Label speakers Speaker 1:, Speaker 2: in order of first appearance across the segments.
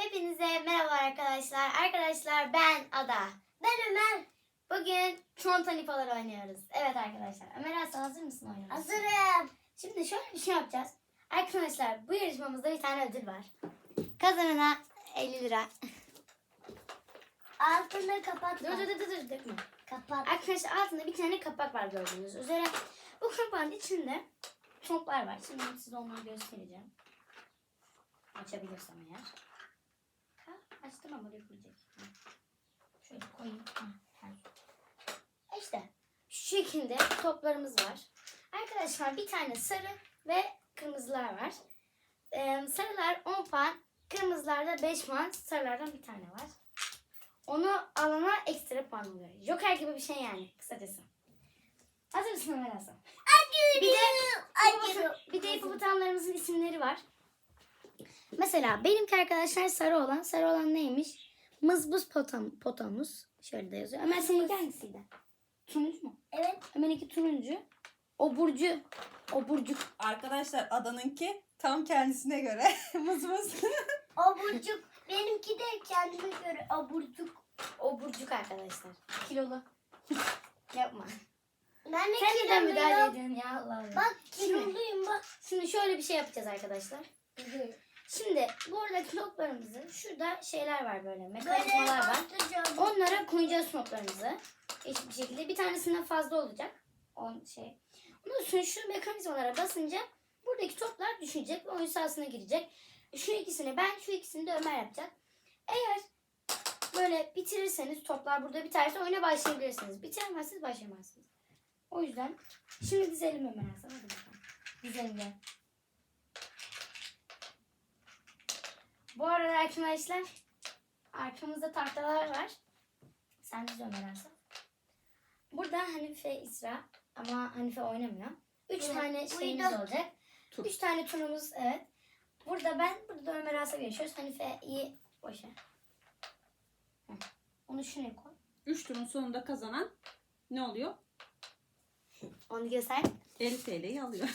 Speaker 1: Hepinize merhaba arkadaşlar. Arkadaşlar ben Ada. Ben Ömer. Bugün Çontanipalar oynuyoruz. Evet arkadaşlar. Ömer Aslan hazır mısın oynamaya?
Speaker 2: Hazırım.
Speaker 1: Şimdi şöyle bir şey yapacağız. Arkadaşlar bu yarışmamızda bir tane ödül var. Kazanana 50 lira.
Speaker 2: Altını kapat.
Speaker 1: Dur dökme.
Speaker 2: Kapat.
Speaker 1: Arkadaşlar altında bir tane kapak var gördüğünüz üzere. Bu kapağın içinde toplar var. Şimdi size onları göstereceğim. Açabilirsem eğer. Açtım ama dökülecek. Şöyle koyayım. İşte şu şekilde toplarımız var. Arkadaşlar bir tane sarı ve kırmızılar var. Sarılar 10 puan, kırmızılarda 5 puan, sarılardan bir tane var. Onu alana ekstra puan oluyor. Joker gibi bir şey yani kısacası. Hazır mısın Ömer Hasan? Bir de hipopotamlarımızın isimleri var. Mesela benimki arkadaşlar sarı olan neymiş? Mızbuz potamus. Şöyle de yazıyor. Ömer seninki hangisiydi? Turuncu mu?
Speaker 2: Evet.
Speaker 1: Ömer'inki turuncu. Oburcuk.
Speaker 3: Arkadaşlar Adan'ınki tam kendisine göre mız.
Speaker 2: Aburcuk. Benimki de kendime göre aburcuk.
Speaker 1: Oburcuk arkadaşlar. Kilolu. Yapma.
Speaker 2: Ben de
Speaker 1: Sen neden
Speaker 2: kiloluyum.
Speaker 1: müdahale ediyorsun ya Allah Allah.
Speaker 2: Bak kiloluyum bak.
Speaker 1: Şimdi şöyle bir şey yapacağız arkadaşlar. Şimdi buradaki notlarımızı şurada şeyler var böyle mekanizmalar var.
Speaker 2: atacağım.
Speaker 1: Onlara koyacağız notlarımızı. Eşit bir şekilde. Bir tanesinden fazla olacak. Ondan sonra şu mekanizmalara basınca buradaki toplar düşecek ve oyun sahasına girecek. Şu ikisini ben, şu ikisini de Ömer yapacak. Eğer böyle bitirirseniz toplar burada biterse oyuna başlayabilirsiniz. Bitiremezseniz başlayamazsınız. O yüzden şimdi dizelim Ömer Hasan. Hadi bakalım. Dizelim gel. Bu arada arkadaşlar arkamızda tahtalar var. Sen diz Ömer Hasan. Burada Hanife İsra ama Hanife oynamıyor. 3
Speaker 2: Evet,
Speaker 1: tane şeyimiz
Speaker 2: uyudum.
Speaker 1: olacak. 3 tane turumuz evet. Burada ben, burada da Ömer Hasan yaşıyoruz. Hanife'yi boşa. Onu şuraya koy.
Speaker 3: 3 turun sonunda kazanan ne oluyor?
Speaker 1: Onu göster.
Speaker 3: 50 TL'yi alıyor.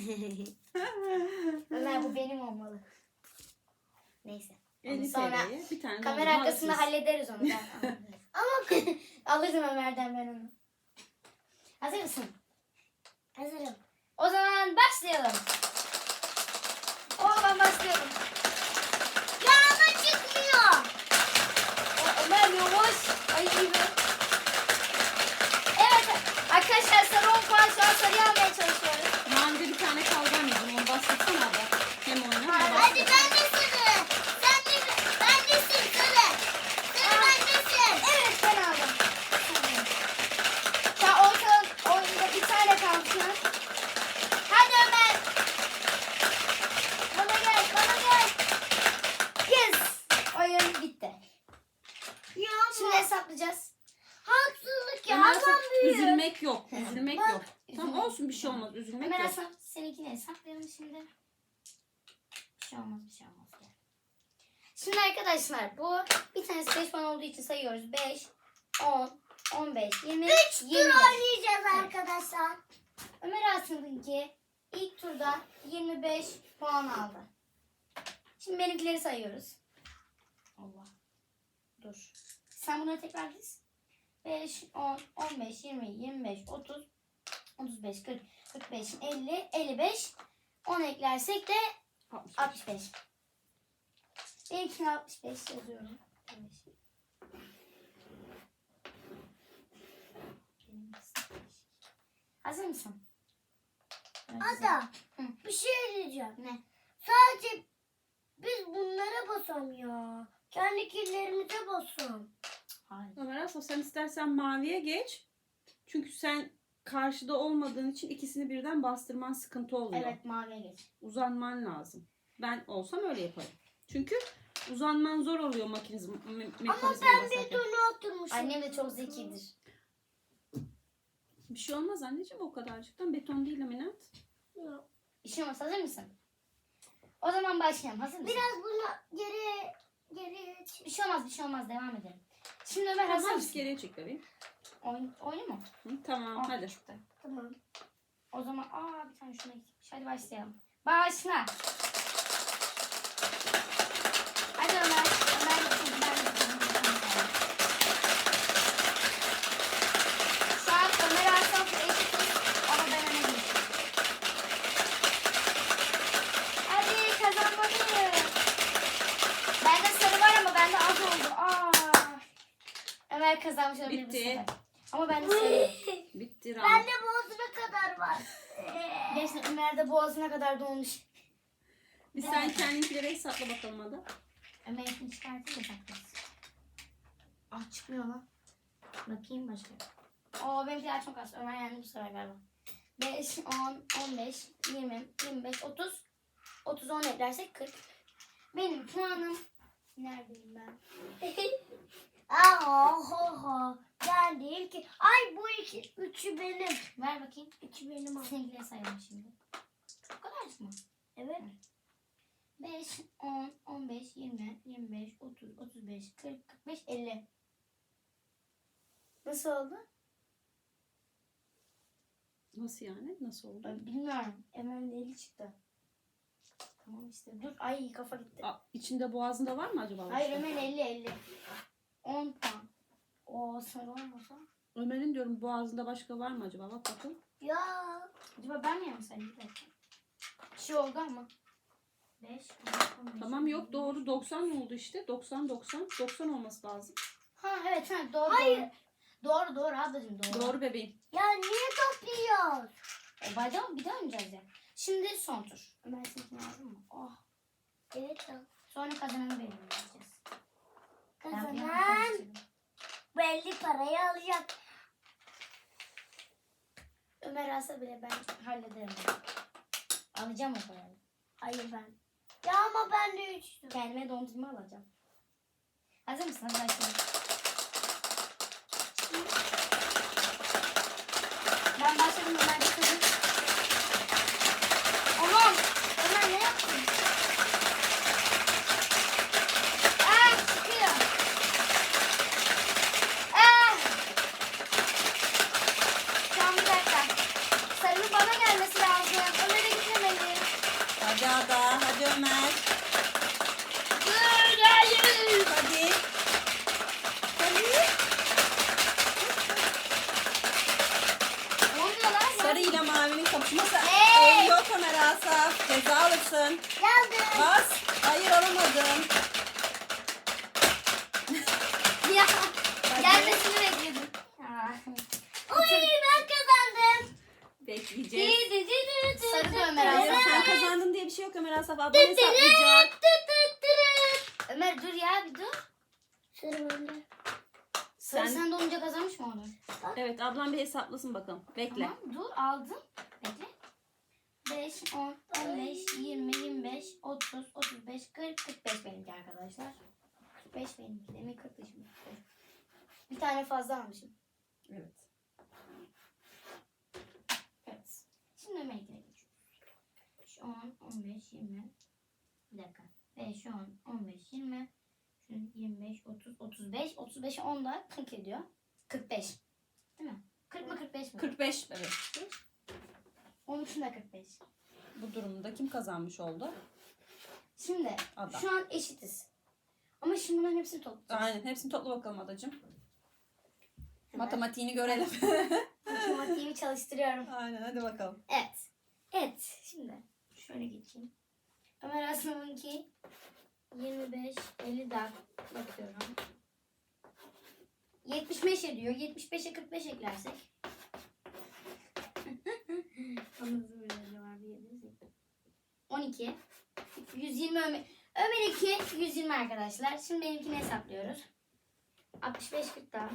Speaker 1: Ömer bu benim olmalı. Neyse.
Speaker 3: 50
Speaker 1: Sonra
Speaker 3: TL'ye bir tane
Speaker 1: kamera
Speaker 3: dondurma
Speaker 1: arkasında
Speaker 3: alırsınız.
Speaker 1: hallederiz onu. Ama alırdım Ömer'den ben onu. Hazır mısın?
Speaker 2: Hazırım.
Speaker 1: O zaman başlayalım. Ben başlıyorum.
Speaker 2: Ya ama çıkmıyor.
Speaker 1: Ömer yavaş. Ay iyi be. Evet arkadaşlar sarı 10 puan şu an sarıyı almaya çalışıyoruz.
Speaker 3: Mavide bir tane kaldı anneciğim. Onu bahsetsene abi. Hem oyna hem
Speaker 2: Hadi
Speaker 3: bahset.
Speaker 2: ben de sarı. Sen de bendesin sarı. Sarı bendesin.
Speaker 1: Evet ben aldım. Sen oyunda bir tane kalsın. Hadi Ömer. Bana gel. Yes. Oyun bitti.
Speaker 2: Ya
Speaker 1: Şimdi
Speaker 2: ama
Speaker 1: hesaplayacağız.
Speaker 2: haksızlık ya.
Speaker 3: Ömer
Speaker 2: Adam
Speaker 3: Hasan,
Speaker 2: büyük.
Speaker 3: üzülmek yok. Üzülmek
Speaker 2: Bak,
Speaker 3: yok. Tamam olsun bir şey olmaz. Üzülmek
Speaker 1: Ömer
Speaker 3: yok.
Speaker 1: Hasan seninkini hesaplayalım şimdi. Bir şey olmaz. Gel. Şimdi arkadaşlar bu bir tanesi 5 puan olduğu için sayıyoruz. 5, 10, 15, 20,
Speaker 2: 3 tur
Speaker 1: 25.
Speaker 2: oynayacağız arkadaşlar.
Speaker 1: Ömer Hasan'ınki ilk turda 25 puan aldı. Şimdi benimkileri sayıyoruz. Allah. Dur. Sen bunları tekrar diz. 5, 10, 15, 20, 25, 30, 35, 40, 45, 50, 55. 10 eklersek de 65. Benimkine 65 yazıyorum. Hazır mısın?
Speaker 2: Ada
Speaker 1: Hı.
Speaker 2: bir şey diyeceğim.
Speaker 1: Ne?
Speaker 2: Sadece biz bunlara basalım ya. Kendi killerimize basalım.
Speaker 1: Hayır.
Speaker 3: Ömer Hasan sen istersen maviye geç. Çünkü sen karşıda olmadığın için ikisini birden bastırman sıkıntı oluyor.
Speaker 1: Evet maviye geç.
Speaker 3: Uzanman lazım. Ben olsam öyle yaparım. Çünkü uzanman zor oluyor
Speaker 2: Ama
Speaker 3: mekanizmaya
Speaker 2: ben
Speaker 3: basarken.
Speaker 2: betona oturmuşum.
Speaker 1: Annem de çok zekidir.
Speaker 3: Bir şey olmaz anneciğim o kadarcıktan. Beton değil laminat.
Speaker 2: Yok.
Speaker 1: İşin olmaz. Hazır mısın? O zaman başlayalım. Hazır mısın?
Speaker 2: Biraz bunu geri
Speaker 1: Bir şey olmaz. Devam edelim. Şimdi Ömer hazır
Speaker 3: Tamam
Speaker 1: mısın?
Speaker 3: geriye çek bebeğim.
Speaker 1: Oyunu mu?
Speaker 3: Tamam
Speaker 1: Aa,
Speaker 3: hadi.
Speaker 1: çıktı.
Speaker 2: Tamam.
Speaker 1: O zaman bir tane şuna gitmiş. Hadi başlayalım. Başla. Hadi Ömer. Ömer kazanmış olabilir bu
Speaker 3: Bitti.
Speaker 1: sefer. Ama ben de seviyorum.
Speaker 3: Bitti round.
Speaker 2: Bende boğazına kadar var.
Speaker 1: Gerçekten Ömer'de boğazına kadar dolmuş.
Speaker 3: Bir sen kendinkileri hesapla bakalım hadi.
Speaker 1: Ömer'inkini çıkartayım da saklasın. Ah çıkmıyor lan. Bakayım başka. Oo benimkiler çok az. Ömer yendi bu sefer galiba. 5, 10, 15, 20, 25, 30. 30, 10 eklersek 40. Benim puanım. Neredeyim ben?
Speaker 2: Oho. Ben değil ki. Ay bu üçü benim.
Speaker 1: Ver bakayım.
Speaker 2: Üçü benim. Al.
Speaker 1: Seninkileri sayalım şimdi. Çok kadar mı?
Speaker 2: Evet.
Speaker 1: 5, 10, 15, 20, 25, 30, 35, 40, 45, 50. Nasıl oldu?
Speaker 3: Nasıl yani? Nasıl oldu?
Speaker 1: Ben bilmiyorum. Ömer'in de 50 çıktı. Tamam işte. Dur. Ay kafa gitti.
Speaker 3: Aa, içinde boğazında var mı acaba?
Speaker 1: Hayır Ömer'in 50. 10 puan. O sarı olmasa.
Speaker 3: Ömer'in diyorum boğazında başka var mı acaba? Bak bakın.
Speaker 2: Ya.
Speaker 1: Acaba ben mi yapsaydım? Bir dakika. Bir şey oldu ama. 5, 10, 15.
Speaker 3: Tamam yok doğru 90 oldu işte. 90 olması lazım.
Speaker 1: Ha evet ha doğru.
Speaker 2: Hayır.
Speaker 1: Doğru ablacığım doğru.
Speaker 3: Doğru bebeğim.
Speaker 2: Ya niye topluyoruz?
Speaker 1: Bir daha oynayacağız ya. Şimdi son tur. Ömer seninkini aldın mı? Oh.
Speaker 2: Evet.
Speaker 1: Sonra kazananı belirleyeceğiz. Ben bunu
Speaker 2: Kazanan
Speaker 1: yapmak
Speaker 2: belli parayı alacak.
Speaker 1: Ömer alsa bile ben hallederim. Alacağım o parayı.
Speaker 2: Hayır ben. Ya ama ben de üçtüm.
Speaker 1: Kendime dondurma alacağım. Hazır mısın? Hadi başlayalım. Ben başladım. Ömer bitirdim. Aman! Ömer ne yaptın? Çıkıyor. Tamam bir dakika. Sarının bana gelmesi lazım. Ömer'e gitmemeli.
Speaker 3: Hadi Ada. Hadi Ömer.
Speaker 1: Dur hayır.
Speaker 3: Hadi.
Speaker 1: Ne oluyor lan?
Speaker 3: Sarı ile mavinin kapışması.
Speaker 1: Hey!
Speaker 3: Yok Ömer Asaf. Ceza alırsın.
Speaker 2: Geldim.
Speaker 3: Bas. Hayır alamadın.
Speaker 1: Ya. Gelmesini bekledim.
Speaker 2: Oy ben kazandım.
Speaker 3: Bekleyeceğiz.
Speaker 1: Sarı da Ömer
Speaker 3: Hayır
Speaker 1: Asaf.
Speaker 3: sen kazandın diye bir şey yok Ömer Asaf. Ablan hesaplayacak.
Speaker 1: Ömer dur ya bir dur.
Speaker 2: Sıra bende.
Speaker 1: Sarı
Speaker 3: Sen-
Speaker 1: sen de olunca kazanmış mı onu?
Speaker 3: Evet ablam bir hesaplasın bakalım. Bekle.
Speaker 1: Tamam dur aldım. Bekle. 5, 10, 15, 20, 25, 30, 35, 40, 45 benimki arkadaşlar. 45 benimki. Demin 40 şimdi. Bir tane fazla almışım.
Speaker 3: Evet.
Speaker 1: Evet. Şimdi Ömer'inkine geçiyoruz. 5, 10, 15, 20. Bir dakika. 5, 10, 15, 20. Şunu 25, 30, 35. 35'e 10 da 40 ediyor. 45. Değil mi? 40 mı 45 mi?
Speaker 3: 45 evet.
Speaker 1: 13'ün da 45.
Speaker 3: Bu durumda kim kazanmış oldu?
Speaker 1: Şimdi
Speaker 3: Ada.
Speaker 1: şu an eşitiz. Ama şimdi bunların hepsini toplayacağız.
Speaker 3: Aynen hepsini topla bakalım adacığım.
Speaker 1: Hemen
Speaker 3: Matematiğini görelim.
Speaker 1: matematiğimi çalıştırıyorum.
Speaker 3: Aynen hadi bakalım.
Speaker 1: Evet. Evet. Şimdi şöyle geçeyim. Ömer Aslan'ınki 25, 50 daha bakıyorum. 75 ediyor. 75'e 45 eklersek. Anladın mı? 12. 120 Ömer'inki 120 arkadaşlar. Şimdi benimkini hesaplıyoruz. 65 40 daha.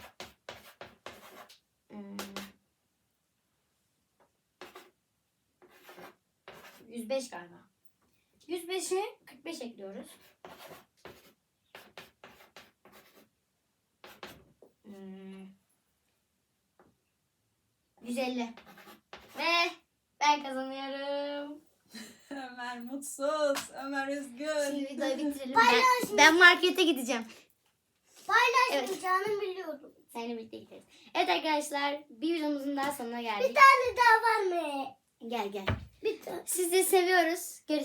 Speaker 1: 105 galiba. 105'e 45 ekliyoruz. 150. Ve ben kazanıyorum.
Speaker 3: Ömer mutsuz. Ömer üzgün.
Speaker 1: Şimdi videoyu bitirelim.
Speaker 2: Paylaş.
Speaker 1: Ben markete gideceğim.
Speaker 2: Paylaşmayacağını biliyordum.
Speaker 1: Seninle birlikte gideriz. Evet arkadaşlar bir videomuzun daha sonuna
Speaker 2: Bir
Speaker 1: geldik.
Speaker 2: tane daha var mı?
Speaker 1: Gel gel.
Speaker 2: Bir tane.
Speaker 1: Sizi seviyoruz. Görüşürüz.